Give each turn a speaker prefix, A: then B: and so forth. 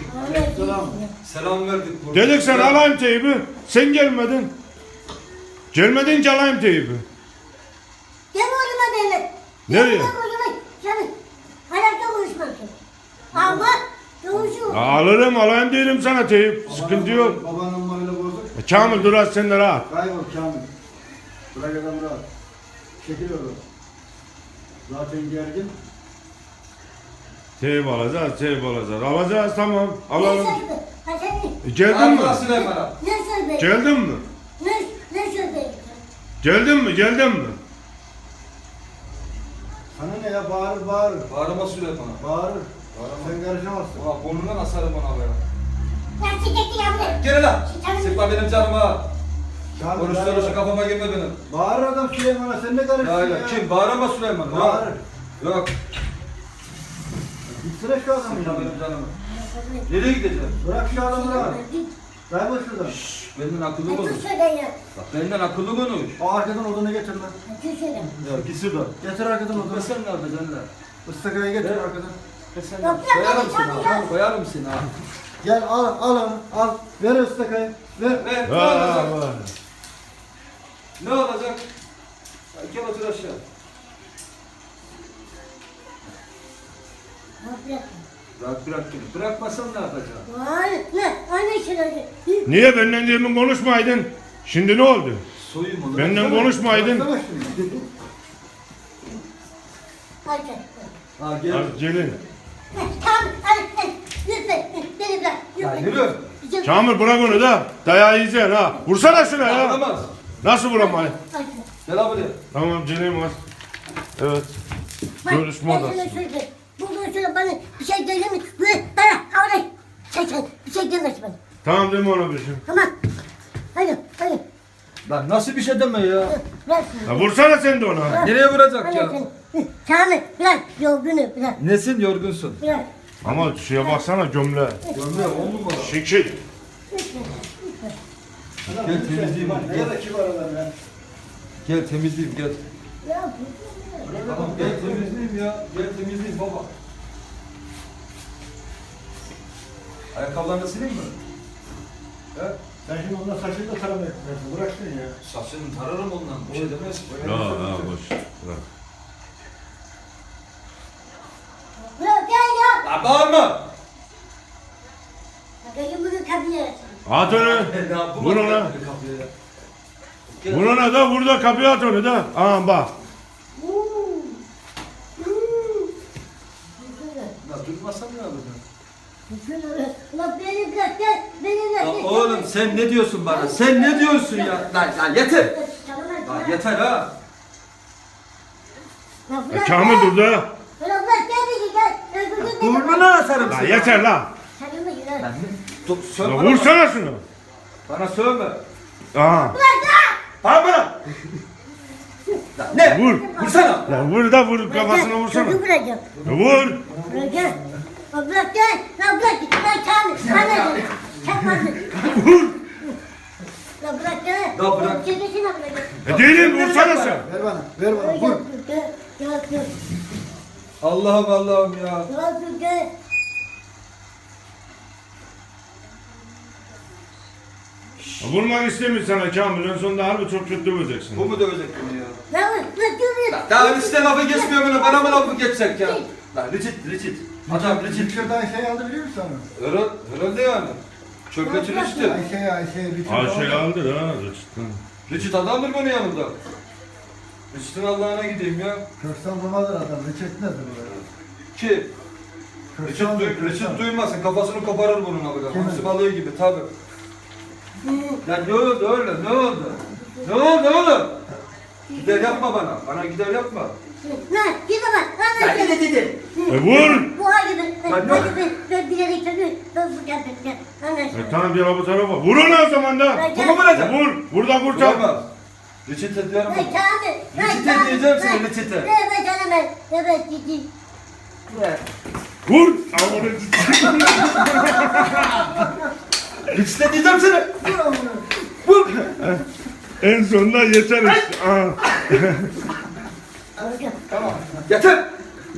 A: Selam. Selam verdik.
B: Dedik sen alayım teybi. Sen gelmedin. Gelmedince alayım teybi.
C: Gel oğluma benim.
B: Nereye?
C: Gel oğluma. Canım. Hayatta konuşmasın. Ama konuşuyor.
B: Alırım alayım derim sana teyip. Sıkıntı yok.
A: Babanın numarayla bozuk.
B: Kamil dur az sen de rahat.
A: Kaybol Kamil. Bırak adam rahat. Çekil oğlum. Zaten gergin.
B: Teyip alacağız, teyip alacağız. Alacağız tamam. Alalım.
C: Ne söyledi?
B: Geldin mi?
A: Süleyman'a.
C: Ne söyledi?
B: Geldin mi?
C: Ne söyledi?
B: Geldin mi? Geldin mi?
A: Sana ne ya bağırır bağırır.
D: Bağırma Süleyman'a.
A: Bağırır. Sen karışamazsın.
D: Ulan burnundan asarım bana be.
C: Ya çekekti yavrum.
D: Gel lan. Sıkma benim canıma.
A: Kamil,
D: Konuştuğunu
A: bağırır.
D: şu kafama girme benim.
A: Bağırır adam Süleyman'a sen ne karışıyorsun
D: Ya
A: ya?
D: kim? Bağırma Süleyman.
A: Bağırır.
D: Yok.
A: Gitsene şu adamı.
D: Sıkma benim canımı. Nereye gideceğim?
A: Bırak şu adamı rahat. Kaybol şuradan.
D: Benden akıllı
C: Ne
D: konuş.
C: söyle ya?
D: Bak benden akıllı konuş.
A: O arkadan odunu getir lan.
C: Ne söyle?
A: Ya git şuradan. Getir arkadan odunu.
D: Ve sen ne yapacaksın lan?
A: Istakayı getir
D: Evet.
A: arkadan.
D: Ve sen
C: Yok, yok,
D: koyarım
C: yok,
D: seni
C: yok,
D: ha.
C: yok.
D: Koyarım seni ha.
A: Gel al onu al. Ver ıstakayı. Ver.
D: Ve ne
B: Vay
D: olacak?
B: vay.
D: Ne olacak? Ya gel otur aşağı. Bırak beni. Bırakmasan ne yapacaksın?
C: Vay, ne? Aynı söyledi.
B: Niye benden demin konuşmaydın? Şimdi ne oldu?
D: Soyayım onu.
B: Benden konuşmaydın.
A: Baksana şunu.
C: Hadi.
D: Ha gel.
B: Hadi gelin.
C: Tamam, hadi. Lütfen, beni bırak.
D: Ya
C: Lütfen.
D: yürü.
C: Bizim-
B: Kamil bırak onu da. Dayağı yiyeceksin ha. Vursana şuna ya.
D: Anlamaz.
B: Nasıl vuramayın?
C: Hadi.
D: Gel abi buraya.
B: Tamam Celil var. Evet.
C: Bak,
B: Görüşme
C: ben sana
B: odası.
C: söyleyeyim. Bundan sonra bana bir şey gelir mi? Bana, oraya. Sen, bir şey gelmez bana.
B: Tamam deme ona bir şey.
C: Tamam. Hadi, hadi.
D: Lan nasıl bir şey deme ya?
C: Bırak.
B: Ya vursana sen de ona.
D: Nereye vuracak
C: Hadi
D: ya?
C: sen. Kamil, bırak. Yorgunu, bırak.
D: Nesin yorgunsun?
C: Bırak.
B: Ama şuraya baksana gömle.
D: Gömle 10 numara.
B: Şekil.
D: Gel temizleyeyim onu,
A: Ne
D: gel.
A: kadar kibar adam ya.
D: Gel temizleyeyim gel.
C: Ya,
D: Tamam gel temizleyeyim ya. Gel temizleyeyim baba. Ayakkabılarını sileyim mi? He?
A: Sen şimdi ondan saçını da tarama etmiyorsun. Bırak şunu ya.
D: Saçını tararım ondan. Bir şey demez.
B: Ya boş. Bırak.
C: bırak gel ya.
D: Lan bağırma.
C: Bakayım bunu kapıya.
B: At onu.
D: Ya bu
B: Vur
D: bak
B: ona.
D: ya, kapıya ya. Gel.
B: Vur ona da vur da kapıya at onu da. Aha bak.
D: Ya durmasan ne yapacaksın?
C: Ulan beni bırak gel. Beni bırak.
D: Ya
C: gel.
D: oğlum sen ne diyorsun bana? Sen ne diyorsun ya? Lan yeter. Lan yeter ha.
C: Lan
B: Ya
C: bırak
B: Kamil
C: ya.
B: dur da.
C: Ulan bırak gel beni gel. Öbürünü de-
D: Burnuna asarım
B: La
D: seni.
B: yeter la.
C: Sarılma yürü.
D: Lan dur,
B: La
D: sövme bana.
B: vursana şunu.
D: Bana sövme.
B: Aha.
D: Bağır bana. Lan ne?
B: Vur.
D: Vursana.
B: La vur da vur kafasına vursana.
C: Çocuğu bırakacağım.
B: Ya vur.
C: Bırakacağım. Lan bırak gel. Lan bırak. Lan Kamil. Bana gel. Çakmasın.
B: Vur.
C: Lan bırak gel.
D: Lan bırak.
C: Çekesine bırak.
B: Ya değilim vursana sen.
A: Ver bana. Ver bana.
C: Gel.
A: Vur.
C: Gel. Gel. Gel.
D: Allah'ım ya.
C: Gel. Gel.
B: Ya vurmak istemiyor sana Kamil. En sonunda harbi çok kötü döveceksin.
D: Bu mu dövecek beni ya?
C: Lan dur.
D: Daha üstte lafı geçmiyor bunu. Bana mı lafı geçecek ya? Lan Richard. Adam Richard.
A: Dışarıdan şey aldı biliyor musun?
D: Herhalde yani. Çöpçü Richard.
A: Ayşe.
B: Ayşe aldı ha. Cidden.
D: Richard adamdır bunun yanında. Richard'ın Allah'ına gideyim ya.
A: Köksal babadır adam. Reçet nedir bu?
D: Ki Richard duymasın. Kafasını koparır bunun abi. Hamsi balığı gibi tabi. Ya ne oldu öyle? Ne oldu? Ne oldu oğlum? Gider yapma bana. Bana gider yapma.
C: Lan git bak. Lan
D: Ya ne dedi?
B: Vur.
C: Bu hali ben.
D: Lan yok.
C: Ben bilerek tabii. Ben bu gel. Lan
B: Tamam bir bu tarafa. Vur ona o zaman da.
D: Bu mu vuracak?
B: Vur. Vur da kurtar.
D: Vuramaz. Richard'e diyorum.
C: Lan Kamil.
D: Reçete diyeceğim sana, reçete.
C: Evet canım ben. Evet ciddi.
B: Vur.
D: Richard'e diyeceğim sana. Vur.
B: En sonunda yeter işte. Aha.
D: Tamam. Yeter.